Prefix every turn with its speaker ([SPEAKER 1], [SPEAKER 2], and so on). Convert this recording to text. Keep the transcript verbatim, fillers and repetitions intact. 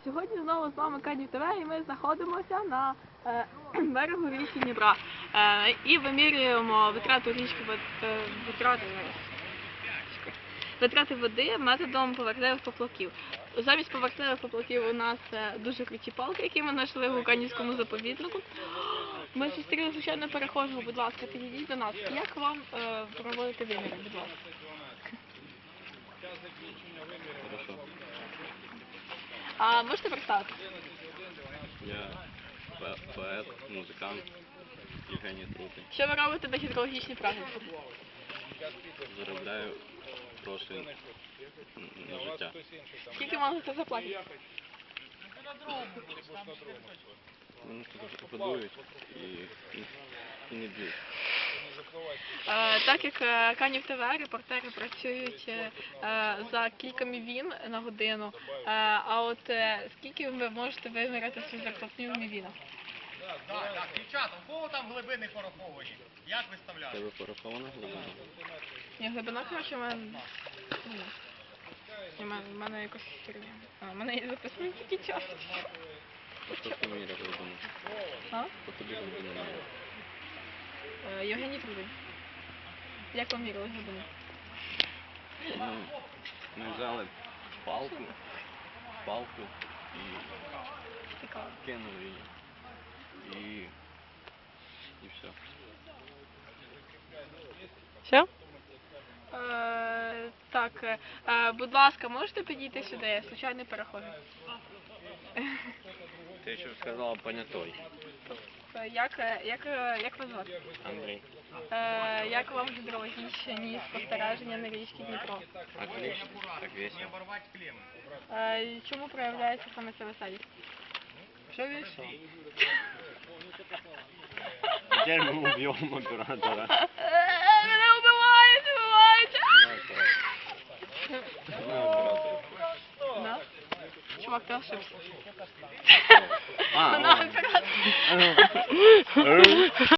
[SPEAKER 1] Сьогодні знову з вами Канів ТВ і ми знаходимося на е, берегу річки Дніпра е, і вимірюємо витрату річки е, витрати, витрати води методом поверхневих поплавків. Замість поверхневих поплавків у нас е, дуже круті палки, які ми знайшли в Канівському заповіднику. Ми зустріли звичайно перехожого, будь ласка, підійдіть до нас. Як вам е, проводити виміри, будь ласка?
[SPEAKER 2] Хорошо.
[SPEAKER 1] А можете представити?
[SPEAKER 2] Я поет, музикант Євгеній Трутий.
[SPEAKER 1] Що ви робите на гідрологічній практиці?
[SPEAKER 2] Заробляю гроші на життя.
[SPEAKER 1] Скільки вам за це заплатять?
[SPEAKER 2] Мене тут годують і, і, і не б'ють.
[SPEAKER 1] Е, так як е, Канів ТВ, репортери працюють е, за кілька мівін на годину, е, а от е, скільки ви можете виміряти свою зарплатню в мівінах?
[SPEAKER 3] Так, так, дівчата, у кого там глибини пораховані? Як виставляти?
[SPEAKER 2] Тебе порахована глибина?
[SPEAKER 1] Ні, глибина, коротше, в мене... Ні. Ні, в мене, в мене якось херня. А, в мене є записані тільки час.
[SPEAKER 2] Хто тобі міряє глибину?
[SPEAKER 1] А?
[SPEAKER 2] Хто тобі глибину міряє?
[SPEAKER 1] Е, Євгеній Трудий. Як вам мірили глибину?
[SPEAKER 2] Ну, ми взяли палку, палку і
[SPEAKER 1] Цікаво.
[SPEAKER 2] кинули її. І, і все.
[SPEAKER 1] Все? Е, так, е, будь ласка, можете підійти сюди? Я случайний перехожий.
[SPEAKER 2] Ти ще сказала понятой.
[SPEAKER 1] Е, Як, е, як, е, як вас звати?
[SPEAKER 2] Андрій.
[SPEAKER 1] Е, як вам гідрологічні спостереження на річці Дніпро?
[SPEAKER 2] Отлично. Так весело.
[SPEAKER 3] Оборвати клеми.
[SPEAKER 1] Е, чому проявляється саме ця веселість?
[SPEAKER 2] Все весело. Теперь мы убьем оператора.
[SPEAKER 1] Е, Мене вбивають, вбивають! Да? Чувак, ти ошибся.
[SPEAKER 2] А,
[SPEAKER 1] Вона
[SPEAKER 2] ладно.
[SPEAKER 1] оператор.